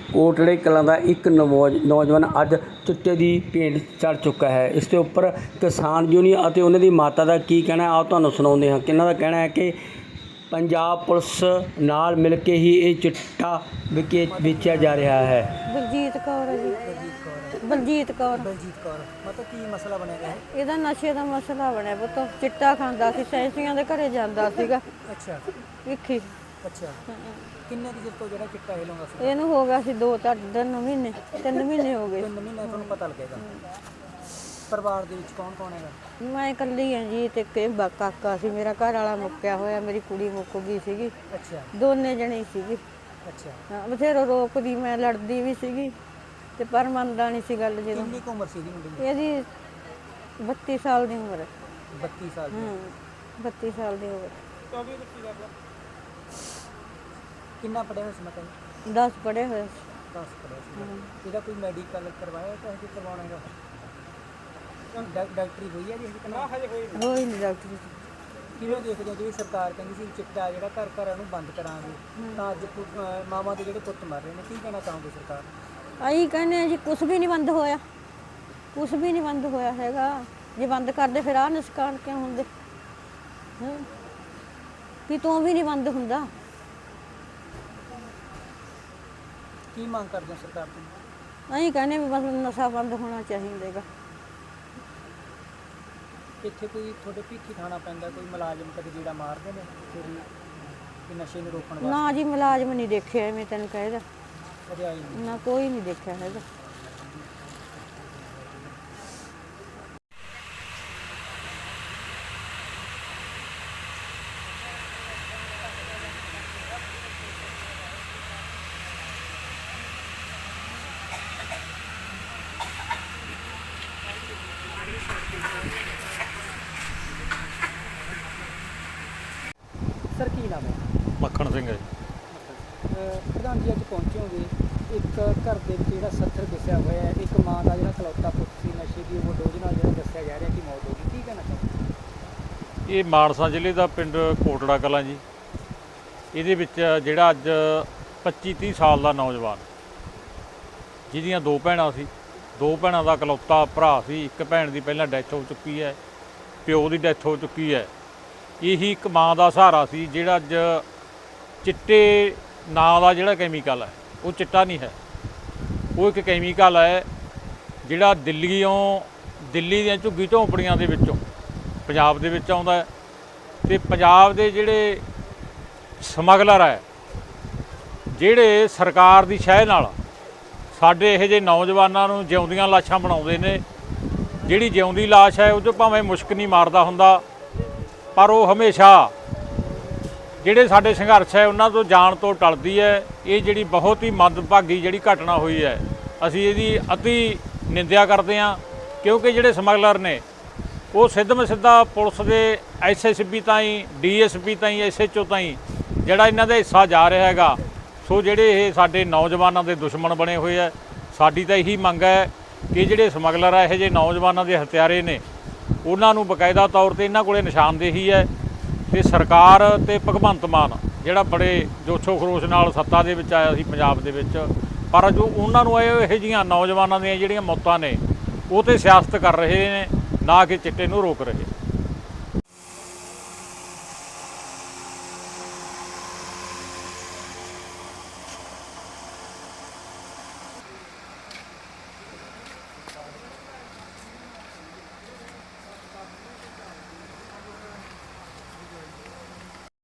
ਕੋਟੜੇ ਕਲਾਂ ਦਾ ਇੱਕ ਨੌਜਵਾਨ ਅੱਜ ਚਿੱਟੇ ਦੀ ਭੇਂਟ ਚੜ੍ਹ ਚੁੱਕਾ ਹੈ। ਇਸ ਦੇ ਉੱਪਰ ਕਿਸਾਨ ਯੂਨੀਅਨ ਅਤੇ ਉਹਨਾਂ ਦੀ ਮਾਤਾ ਦਾ ਕੀ ਕਹਿਣਾ ਆਓ ਤੁਹਾਨੂੰ ਸੁਣਾਉਂਦੇ ਹਾਂ। ਕਿਹਨਾਂ ਦਾ ਕਹਿਣਾ ਹੈ ਕਿ ਪੰਜਾਬ ਪੁਲਿਸ ਨਾਲ ਮਿਲ ਕੇ ਹੀ ਇਹ ਚਿੱਟਾ ਵੇਚਿਆ ਜਾ ਰਿਹਾ ਹੈ। ਬਲਜੀਤ ਕੌਰ ਹੈ ਜੀ। ਬਲਜੀਤ ਕੌਰ ਮਤਲਬ ਕੀ ਮਸਲਾ ਬਣੇਗਾ ਇਹਦਾ ਨਸ਼ੇ ਦਾ ਮਸਲਾ ਬਣਿਆ ਪੁੱਤ। ਚਿੱਟਾ ਖਾਂਦਾ ਸੀ, ਸੈਂਸੀਆਂ ਦੇ ਘਰੇ ਜਾਂਦਾ ਸੀਗਾ। ਅੱਛਾ ਵੇਖੀ ਅੱਛਾ ਕਿੰਨੇ ਦੀ ਤੋਂ ਜਿਹੜਾ ਚਿੱਟਾ ਇਹ ਲਾਉਂਦਾ ਸੀ? ਇਹਨੂੰ ਹੋ ਗਿਆ ਸੀ 2-3 ਮਹੀਨੇ 3 ਮਹੀਨੇ ਹੋ ਗਏ। 3 ਮਹੀਨੇ ਤੁਹਾਨੂੰ ਪਤਾ ਲੱਗੇਗਾ। ਪਰਿਵਾਰ ਦੇ ਵਿੱਚ ਕੌਣ ਕੌਣ ਹੈਗਾ? ਮੈਂ ਇਕੱਲੀ ਹਾਂ ਜੀ ਤੇ ਕਾਕਾ ਸੀ ਮੇਰਾ, ਘਰ ਵਾਲਾ ਮੁੱਕਿਆ ਹੋਇਆ, ਮੇਰੀ ਕੁੜੀ ਮੁੱਕ ਗਈ ਸੀਗੀ। ਅੱਛਾ ਦੋਨੇ ਜਣੇ ਸੀਗੇ। ਅੱਛਾ ਹਾਂ ਬਥੇਰੋ ਰੋਕਦੀ, ਮੈਂ ਲੜਦੀ ਵੀ ਸੀਗੀ ਤੇ ਪਰ ਮੰਨਦਾ ਨਹੀਂ ਸੀ ਗੱਲ। ਜਦੋਂ ਕਿੰਨੀ ਕੁ ਉਮਰ ਸੀ ਇਹਦੀ ਮੁੰਡੇ ਦੀ? ਇਹਦੀ 32 ਸਾਲ ਦੀ ਉਮਰ ਹੈ। 32 ਸਾਲ ਦੀ। 32 ਸਾਲ ਦੀ ਉਮਰ। ਕਿੰਨਾ ਪੜਿਆ ਹੋਇਆ ਸੀ ਮਤਲਬ? 10 ਪੜ੍ਹੇ ਹੋਏ ਸੀ। 10 ਪੜਿਆ ਸੀ। ਇਹਦਾ ਕੋਈ ਮੈਡੀਕਲ ਕਰਵਾਇਆ ਤਾਂ ਕਿ ਕਰਵਾਉਣਾ ਹੈਗਾ? ਡਾਕਟਰੀ ਹੋਈ ਹੈ ਜੀ ਹਜੇ ਕਿੰਨਾ? ਹੋਈ ਨਹੀਂ ਡਾਕਟਰ। ਕਿਵੇਂ ਦੇਖਦੇ ਹੋ? ਜਿਹੜੀ ਸਰਕਾਰ ਕਹਿੰਦੀ ਸੀ ਚਿੱਟਾ ਜਿਹੜਾ ਘਰ ਘਰਾਂ ਨੂੰ ਬੰਦ ਕਰਾਂਗੇ ਤਾਂ ਅੱਜ ਮਾਵਾਂ ਦੇ ਜਿਹੜੇ ਪੁੱਤ ਮਰ ਰਹੇ ਨੇ, ਕੀ ਕਹਿਣਾ ਚਾਹੋਗੇ ਸਰਕਾਰ? ਅਸੀਂ ਕਹਿੰਦੇ ਹਾਂ ਜੀ ਕੁਛ ਵੀ ਨਹੀਂ ਬੰਦ ਹੋਇਆ, ਕੁਛ ਵੀ ਨਹੀਂ ਬੰਦ ਹੋਇਆ ਹੈਗਾ। ਜੇ ਬੰਦ ਕਰਦੇ ਫਿਰ ਆਹ ਨੁਕਸਾਨ ਕਿਉਂ ਹੁੰਦੇ? ਵੀ ਤੋਂ ਵੀ ਨਹੀਂ ਬੰਦ ਹੁੰਦਾ। ਕੀ ਮੰਗ ਕਰਦੇ ਹੋ ਸਰਕਾਰ ਤੋਂ? ਅਸੀਂ ਕਹਿੰਦੇ ਵੀ ਬਸ ਨਸ਼ਾ ਬੰਦ ਹੋਣਾ ਚਾਹੀਦਾ ਹੈਗਾ। ਇੱਥੇ ਕੋਈ ਤੁਹਾਡੇ ਭੀਖੀ ਖਾਣਾ ਪੈਂਦਾ, ਕੋਈ ਮੁਲਾਜ਼ਮ ਕਦੇ ਜਿਹੜਾ ਮਾਰਦੇ ਨੇ ਕਿ ਨਸ਼ੇ ਨੂੰ ਰੋਕਣ ਵਾਸਤੇ? ਨਾ ਜੀ ਮੁਲਾਜ਼ਮ ਨਹੀਂ ਦੇਖਿਆ, ਐਵੇਂ ਤੈਨੂੰ ਕਹਿਦਾ ਕਦੇ ਆਈ ਨਹੀਂ? ਨਾ ਕੋਈ ਨਹੀਂ ਦੇਖਿਆ ਹੈਗਾ। ਸਰ ਕੀ ਨਾਮ ਹੈ? ਮੱਖਣ ਸਿੰਘ ਹੈ। ਪ੍ਰਧਾਨ ਜੀ ਅੱਜ ਪਹੁੰਚੇ ਹੋਗੇ ਇੱਕ ਘਰ ਦੇ ਵਿੱਚ ਜਿਹੜਾ 70 ਦੱਸਿਆ ਹੋਇਆ ਹੈ, ਇੱਕ ਮਾਂ ਦਾ ਜਿਹੜਾ ਇਕਲੌਤਾ ਪੁੱਤ ਸੀ, ਨਸ਼ੇ ਦੀ ਓਵਰਡੋਜ਼ ਨਾਲ ਜਿਹੜਾ ਦੱਸਿਆ ਜਾ ਰਿਹਾ ਕਿ ਮੌਤ ਹੋ ਗਈ, ਕੀ ਕਹਿਣਾ ਚਾਹੁੰਦੇ? ਇਹ ਮਾਨਸਾ ਜ਼ਿਲ੍ਹੇ ਦਾ ਪਿੰਡ ਕੋਟੜਾ ਕਲਾਂ ਜੀ। ਇਹਦੇ ਵਿੱਚ ਜਿਹੜਾ ਅੱਜ 25-30 ਸਾਲ ਦਾ ਨੌਜਵਾਨ, ਜਿਹਦੀਆਂ 2 ਭੈਣਾਂ ਸੀ, 2 ਭੈਣਾਂ ਦਾ ਇਕਲੌਤਾ ਭਰਾ ਸੀ। ਇੱਕ ਭੈਣ ਦੀ ਪਹਿਲਾਂ ਡੈਥ ਹੋ ਚੁੱਕੀ ਹੈ, ਪਿਓ ਦੀ ਡੈਥ ਹੋ ਚੁੱਕੀ ਹੈ। ਇਹੀ ਇੱਕ ਮਾਂ ਦਾ ਸਹਾਰਾ ਸੀ ਜਿਹੜਾ ਅੱਜ ਚਿੱਟੇ ਨਾਂ ਦਾ ਜਿਹੜਾ ਕੈਮੀਕਲ ਹੈ, ਉਹ ਚਿੱਟਾ ਨਹੀਂ ਹੈ, ਉਹ ਇੱਕ ਕੈਮੀਕਲ ਹੈ ਜਿਹੜਾ ਦਿੱਲੀ ਦੀਆਂ ਝੁੱਗੀ ਝੌਂਪੜੀਆਂ ਦੇ ਵਿੱਚੋਂ ਪੰਜਾਬ ਦੇ ਵਿੱਚ ਆਉਂਦਾ ਹੈ। ਅਤੇ ਪੰਜਾਬ ਦੇ ਜਿਹੜੇ ਸਮਗਲਰ ਹੈ, ਜਿਹੜੇ ਸਰਕਾਰ ਦੀ ਸ਼ਹਿ ਨਾਲ ਸਾਡੇ ਇਹੋ ਜਿਹੇ ਨੌਜਵਾਨਾਂ ਨੂੰ ਜਿਉਂਦੀਆਂ ਲਾਸ਼ਾਂ ਬਣਾਉਂਦੇ ਨੇ। ਜਿਹੜੀ ਜਿਉਂਦੀ ਲਾਸ਼ ਹੈ ਉਹ 'ਚੋਂ ਭਾਵੇਂ ਮੁਸ਼ਕ ਨਹੀਂ ਮਾਰਦਾ ਹੁੰਦਾ, ਪਰ ਉਹ ਹਮੇਸ਼ਾ ਜਿਹੜੇ ਸਾਡੇ ਸੰਘਰਸ਼ ਹੈ ਉਹਨਾਂ ਤੋਂ ਜਾਣ ਤੋਂ ਟਲਦੀ ਹੈ। ਇਹ ਜਿਹੜੀ ਬਹੁਤ ਹੀ ਮੰਦਭਾਗੀ ਜਿਹੜੀ ਘਟਨਾ ਹੋਈ ਹੈ, ਅਸੀਂ ਇਹਦੀ ਅਤੀ ਨਿੰਦਿਆ ਕਰਦੇ ਹਾਂ, ਕਿਉਂਕਿ ਜਿਹੜੇ ਸਮਗਲਰ ਨੇ ਉਹ ਸਿੱਧਾ ਪੁਲਿਸ ਦੇ SSP ਤਾਈਂ, DSP ਤਾਈਂ, SHO ਤਾਈਂ ਜਿਹੜਾ ਇਹਨਾਂ ਦਾ ਹਿੱਸਾ ਜਾ ਰਿਹਾ ਹੈਗਾ। ਸੋ ਜਿਹੜੇ ਇਹ ਸਾਡੇ ਨੌਜਵਾਨਾਂ ਦੇ ਦੁਸ਼ਮਣ ਬਣੇ ਹੋਏ ਹੈ। ਸਾਡੀ ਤਾਂ ਇਹੀ ਮੰਗ ਹੈ ਕਿ ਜਿਹੜੇ ਸਮਗਲਰ ਹੈ, ਇਹੋ ਜਿਹੇ ਨੌਜਵਾਨਾਂ ਦੇ ਹਥਿਆਰੇ ਨੇ, ਉਹਨਾਂ ਨੂੰ ਬਕਾਇਦਾ ਤੌਰ 'ਤੇ ਇਹਨਾਂ ਕੋਲੇ ਨਿਸ਼ਾਨਦੇਹੀ ਹੈ। ਅਤੇ ਸਰਕਾਰ ਅਤੇ ਭਗਵੰਤ ਮਾਨ ਜਿਹੜਾ ਬੜੇ ਜੋਸ਼ੋ ਖਰੋਸ਼ ਨਾਲ ਸੱਤਾ ਦੇ ਵਿੱਚ ਆਇਆ ਸੀ ਪੰਜਾਬ ਦੇ ਵਿੱਚ, ਪਰ ਜੋ ਉਹਨਾਂ ਨੂੰ ਇਹੋ ਜਿਹੀਆਂ ਨੌਜਵਾਨਾਂ ਦੀਆਂ ਜਿਹੜੀਆਂ ਮੌਤਾਂ ਨੇ ਉਹ 'ਤੇ ਸਿਆਸਤ ਕਰ ਰਹੇ ਨੇ, ਨਾ ਕਿ ਚਿੱਟੇ ਨੂੰ ਰੋਕ ਰਹੇ।